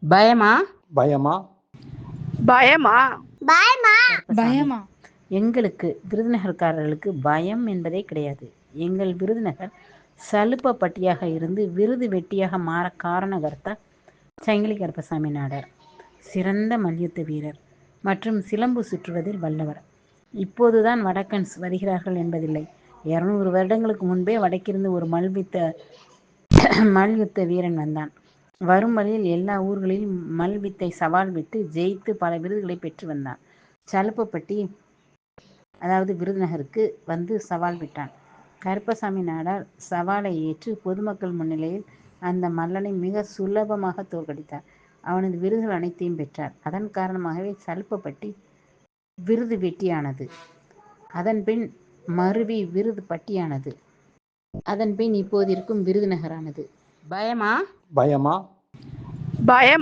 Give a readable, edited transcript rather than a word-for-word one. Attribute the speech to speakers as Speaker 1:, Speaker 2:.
Speaker 1: பயமா
Speaker 2: பயமா
Speaker 3: பயமா
Speaker 1: கருப்பசாமி,
Speaker 4: பயமா
Speaker 1: எங்களுக்கு விருதுநகர்காரர்களுக்கு பயம் என்பதே கிடையாது. எங்கள் விருதுநகர் சலுப்பப்பட்டியாக இருந்து விருது வெட்டியாக மாற காரணகர்த்தா சங்கிலி கருப்பசாமி நாடார். சிறந்த மல்யுத்த வீரர் மற்றும் சிலம்பு சுற்றுவதில் வல்லவர். இப்போதுதான் வடக்கன்ஸ் வருகிறார்கள் என்பதில்லை. 200 வருடங்களுக்கு முன்பே வடக்கிருந்து ஒரு மல்யுத்த வீரன் வந்தான். வரும் வழியில் எல்லா ஊர்களிலும் மல்வித்தை சவால் விட்டு ஜெயித்து பல விருதுகளை பெற்று வந்தான். சலுப்பப்பட்டி அதாவது விருதுநகருக்கு வந்து சவால் விட்டான். கருப்பசாமி நாடார் சவாலை ஏற்று பொதுமக்கள் முன்னிலையில் அந்த மல்லனை மிக சுலபமாக தோற்கடித்தார். அவனது விருதுகள் அனைத்தையும் பெற்றார். அதன் காரணமாகவே சலுப்பப்பட்டி விருது வெட்டியானது. அதன்பின் மருவி விருது பட்டியானது. அதன்பின் இப்போது இருக்கும் விருதுநகரானது. பயமா
Speaker 2: பயமா
Speaker 3: பயம்